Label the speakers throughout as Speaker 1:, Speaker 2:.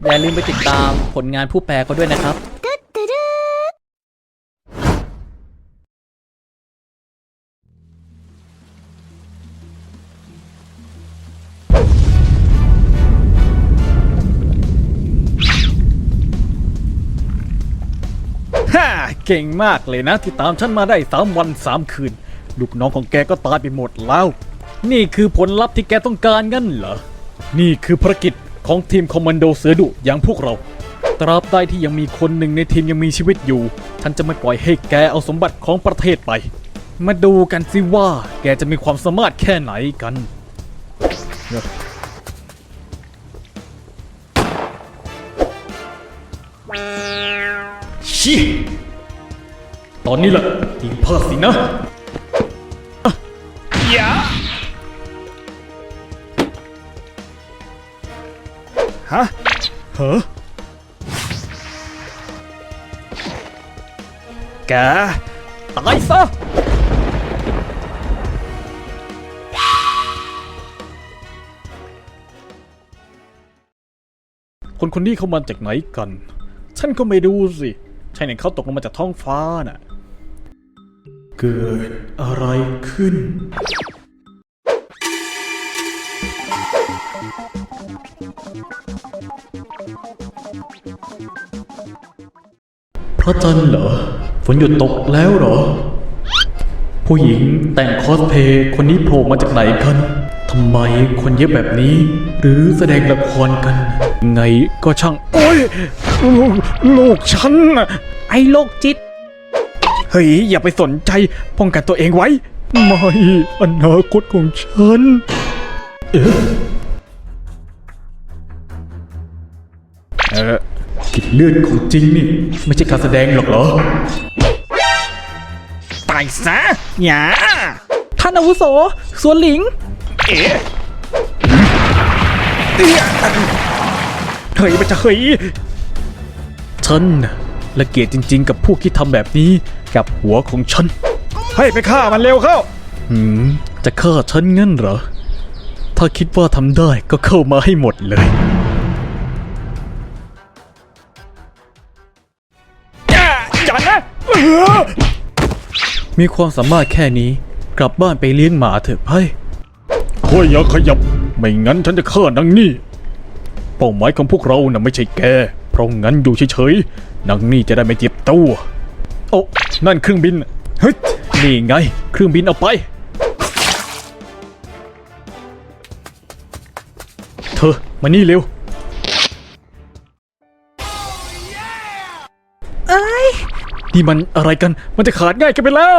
Speaker 1: อย่าลืมไปติดตามผลงานผู้แปลเขาด้วยนะครับฮ่าเก่งมากเลยนะที่ตามฉันมาได้3 วัน 3 คืนลูกน้องของแกก็ตายไปหมดแล้วนี่คือผลลัพธ์ที่แกต้องการงั้นเหรอนี่คือภารกิจของทีมคอมมานโดเสือดุอย่างพวกเราตราบใดที่ยังมีคนหนึ่งในทีมยังมีชีวิตอยู่ฉันจะไม่ปล่อยให้แกเอาสมบัติของประเทศไปมาดูกันสิว่าแกจะมีความสามารถแค่ไหนกันชิตอนนี้แหละทีมพลาดสินะอย่าฮะเหรอแกตายซะคนนี้เขามาจากไหนกันฉันก็ไม่ดูสิใช่เนี่ยเขาตกลงมาจากท้องฟ้าน่ะเกิดอะไรขึ้นพระจันทร์เหรอฝนหยุดตกแล้วเหรอผู้หญิงแต่งคอสเพลย์คนนี้โผล่มาจากไหนกันทำไมคนเยอะแบบนี้หรือแสดงละครกันไงก็ช่างโอ้ยลูกฉันไอ้โรคจิตเฮ้ยอย่าไปสนใจป้องกันตัวเองไว้ไม่อนาคตของฉันกินเลือดของจริงนี่ไม่ใช่การแสดงหรอกเหรอตายซะหยาท่านอาวุโสสวนหลิงเฮ้ยมันจะเฮ้ยฉันละเกียดจริงๆกับพวกที่ทำแบบนี้กับหัวของฉันให้ไปฆ่ามันเร็วเข้าจะฆ่าฉันงั้นเหรอถ้าคิดว่าทำได้ก็เข้ามาให้หมดเลยอย่านะมีความสามารถแค่นี้กลับบ้านไปเลี้ยงหมาเถอะไพ่ค่อยอย่าขยับไม่งั้นฉันจะฆ่านางนี่เป้าหมายของพวกเราน่ะไม่ใช่แกเพราะงั้นอยู่เฉยๆนางนี่จะได้ไม่เจ็บตัวโอ้นั่นเครื่องบินเฮ้ยนี่ไงเครื่องบินเอาไปเธอมานี่เร็วนี่มันอะไรกันมันจะขาดง่ายกันไปแล้ว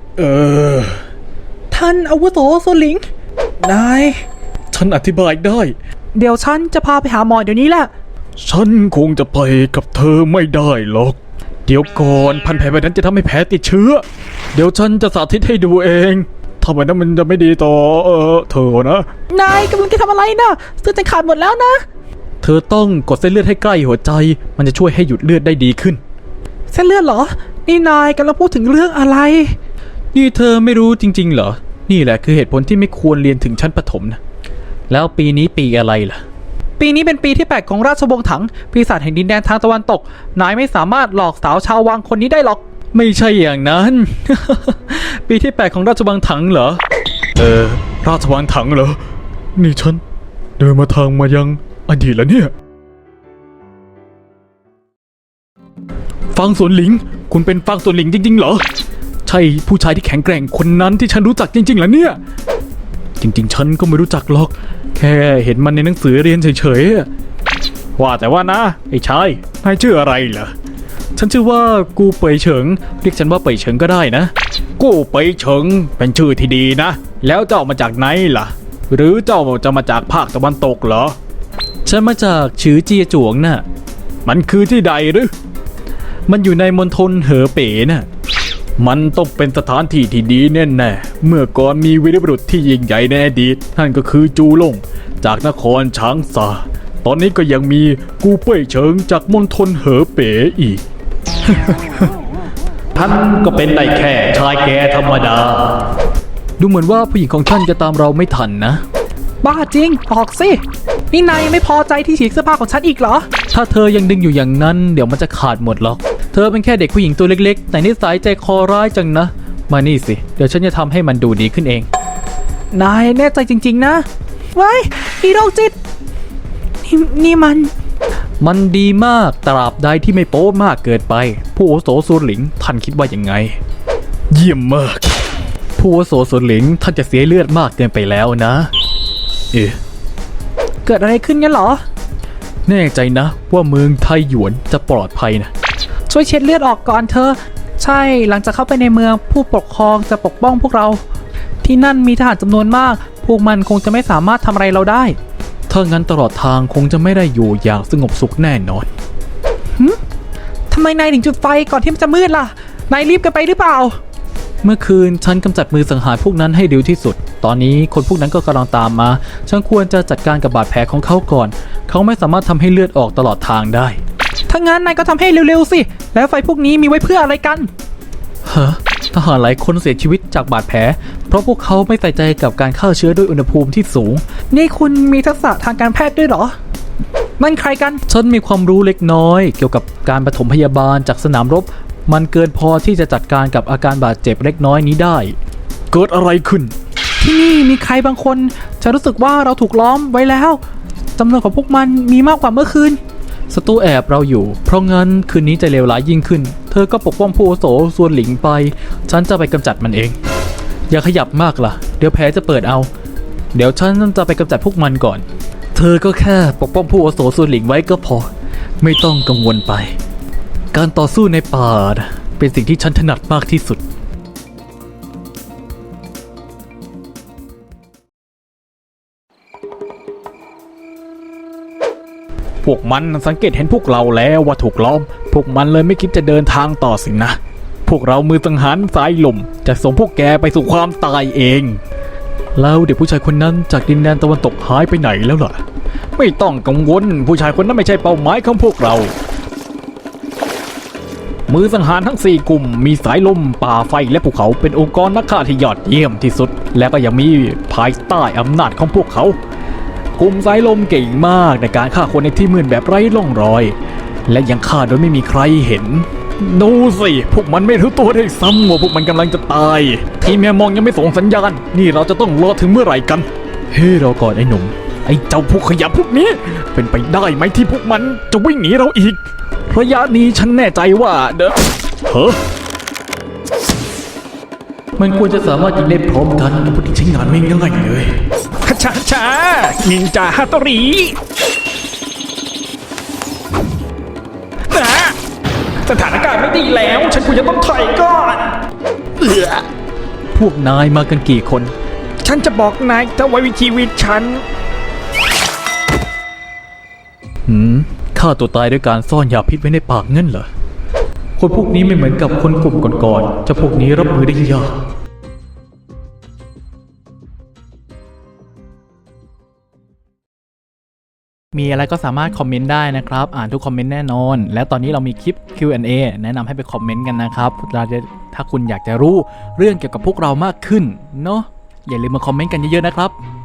Speaker 1: ท่านอาวุโสโซลิงนายฉันอธิบายได้เดี๋ยวฉันจะพาไปหาหมอเดี๋ยวนี้แหละฉันคงจะไปกับเธอไม่ได้หรอกเดี๋ยวก่อนพันแผลแบบนั้นจะทำให้แผลติดเชื้อเดี๋ยวฉันจะสาธิตให้ดูเองทำไมนั้นมันจะไม่ดีต่อเธอนะนายกำลังจะทำอะไรนะเส้นจะขาดหมดแล้วนะเธอต้องกดเส้นเลือดให้ใกล้หัวใจมันจะช่วยให้หยุดเลือดได้ดีขึ้นเส้นเลือดเหรอนี่นายกำลังพูดถึงเรื่องอะไรนี่เธอไม่รู้จริงๆเหรอนี่แหละคือเหตุผลที่ไม่ควรเรียนถึงชั้นประถมนะแล้วปีนี้ปีอะไรล่ะปีนี้เป็นปีที่8ของราชวงศ์ถังปีศาจแห่งดินแดนทางตะวันตกนายไม่สามารถหลอกสาวชาววังคนนี้ได้หรอกไม่ใช่อย่างนั้น ปีที่8ของราชวังถังเหรอราชวังถังเหรอนี่ฉันเดินมาทางมายังอดีตแล้วเนี่ยฟางสวนหลิงคุณเป็นฟางสวนหลิงจริงๆเหรอใช่ผู้ชายที่แข็งแกร่งคนนั้นที่ฉันรู้จักจริงๆเหรอเนี่ยจริงๆฉันก็ไม่รู้จักหรอกแค่เห็นมันในหนังสือเรียนเฉยๆว่าแต่ว่านะไอ้ชายนายชื่ออะไรเหรอฉันชื่อว่ากูเป่ยเฉิงเรียกฉันว่าเป่ยเฉิงก็ได้นะกูเป่ยเฉิงเป็นชื่อที่ดีนะแล้วเจ้ามาจากไหนล่ะหรือเจ้าจะมาจากภาคตะวันตกเหรอฉันมาจากฉือเจียจวงน่ะมันคือที่ใดหรือมันอยู่ในมณฑลเหอเป๋น่ะมันต้องเป็นสถานที่ที่ดีแน่ๆเมื่อก่อนมีวีรบุรุษที่ยิ่งใหญ่ในอดีตนั่นก็คือจูหลงจากนครช้างซาตอนนี้ก็ยังมีกูเป่ยเฉิงจากมณฑลเหอเป๋อีก ท่านก็เป็นได้แค่ชายแก่ธรรมดาดูเหมือนว่าผู้หญิงของท่านจะตามเราไม่ทันนะบ้าจริงออกสินี่นายยังไม่พอใจที่ฉีกเสื้อผ้าของฉันอีกเหรอถ้าเธอยังดึงอยู่อย่างนั้นเดี๋ยวมันจะขาดหมดหรอกเธอเป็นแค่เด็กผู้หญิงตัวเล็กๆแต่นิสัยใจคอร้ายจังนะมานี่สิเดี๋ยวฉันจะทำให้มันดูดีขึ้นเองนายแน่ใจจริงๆนะไว้อีโรคจิตนี่มันดีมากตราบใดที่ไม่โป๊มากเกินไปผู้อาวุโสซูหลิงท่านคิดว่ายังไงเยี่ยมมากผู้อาวุโสซูหลิงท่านจะเสียเลือดมากเกินไปแล้วนะเกิดอะไรขึ้นงั้นเหรอแน่ใจนะว่าเมืองไทหยวนจะปลอดภัยนะช่วยเช็ดเลือดออกก่อนเธอใช่หลังจากเข้าไปในเมืองผู้ปกครองจะปกป้องพวกเราที่นั่นมีทหารจำนวนมากพวกมันคงจะไม่สามารถทำอะไรเราได้ถ้างั้นตลอดทางคงจะไม่ได้อยู่อย่างสงบสุขแน่นอนทำไมนายถึงจุดไฟก่อนที่มันจะมืดล่ะนายรีบกันไปหรือเปล่าเมื่อคืนฉันกำจัดมือสังหารพวกนั้นให้เร็วที่สุดตอนนี้คนพวกนั้นก็กำลังตามมาฉันควรจะจัดการกับบาดแผลของเขาก่อนเขาไม่สามารถทำให้เลือดออกตลอดทางได้ถ้างั้นนายก็ทำให้เร็วๆสิแล้วไฟพวกนี้มีไว้เพื่ออะไรกันทหารหลายคนเสียชีวิตจากบาดแผลเพราะพวกเขาไม่ใส่ใจกับการฆ่าเชื้อด้วยอุณหภูมิที่สูงนี่คุณมีทักษะทางการแพทย์ด้วยเหรอนั่นใครกันฉันมีความรู้เล็กน้อยเกี่ยวกับการปฐมพยาบาลจากสนามรบมันเกินพอที่จะจัดการกับอาการบาดเจ็บเล็กน้อยนี้ได้เกิดอะไรขึ้นที่นี่มีใครบางคนฉันรู้สึกว่าเราถูกล้อมไว้แล้วจำนวนของพวกมันมีมากกว่าเมื่อคืนศัตรูแอบเราอยู่เพราะงั้นคืนนี้จะเลวร้ายยิ่งขึ้นเธอก็ปกป้องผู้อาวุโสส่วนหลิงไปฉันจะไปกำจัดมันเองอย่าขยับมากล่ะเดี๋ยวแผลจะเปิดเอาเดี๋ยวฉันจะไปกำจัดพวกมันก่อนเธอก็แค่ปกป้องผู้อาวุโสส่วนหลิงไว้ก็พอไม่ต้องกังวลไปการต่อสู้ในป่าเป็นสิ่งที่ฉันถนัดมากที่สุดพวกมันสังเกตเห็นพวกเราแล้วว่าถูกล้อมพวกมันเลยไม่คิดจะเดินทางต่อสินะพวกเรามือสังหารสายลมจะส่งพวกแกไปสู่ความตายเองแล้วเด็กผู้ชายคนนั้นจากดินแดนตะวันตกหายไปไหนแล้วล่ะไม่ต้องกังวลผู้ชายคนนั้นไม่ใช่เป้าหมายของพวกเรามือสังหารทั้ง4กลุ่มมีสายลมป่าไฟและภูเขาเป็นองค์กรนักฆ่าที่ยอดเยี่ยมที่สุดและก็ยังมีภายใต้อำนาจของพวกเขากลุ่มสายลมเก่งมากในการฆ่าคนในที่มืดแบบไร้ร่องรอยและยังฆ่าโดยไม่มีใครเห็นดูสิพวกมันไม่รู้ตัวได้ซ้ำว่าพวกมันกำลังจะตายทีมแมมองยังไม่ส่งสัญญาณนี่เราจะต้องรอถึงเมื่อไหร่กันเฮ้เราก่อนไอ้หนุ่มไอ้เจ้าพวกขยะพวกนี้เป็นไปได้ไหมที่พวกมันจะวิ่งหนีเราอีกระยะนี้ฉันแน่ใจว่ามันควรจะสามารถยิงได้พร้อมกันพวกที่ใช้งานไม่ง่ายเลยช้านินจาฮัตโตริสถานการณ์ไม่ดีแล้วฉันควรจะต้องถอยก่อนพวกนายมากันกี่คนฉันจะบอกนายถ้าไว้วิธีวิฉันฆ่าตัวตายด้วยการซ่อนยาพิษไว้ในปากเงินเหรอคนพวกนี้ไม่เหมือนกับคนกลุ่มก่อนๆจะพวกนี้รับมือได้ยากมีอะไรก็สามารถคอมเมนต์ได้นะครับอ่านทุกคอมเมนต์แน่นอนและตอนนี้เรามีคลิป Q&A แนะนำให้ไปคอมเมนต์กันนะครับถ้าคุณอยากจะรู้เรื่องเกี่ยวกับพวกเรามากขึ้นเนาะอย่าลืมมาคอมเมนต์กันเยอะๆนะครับ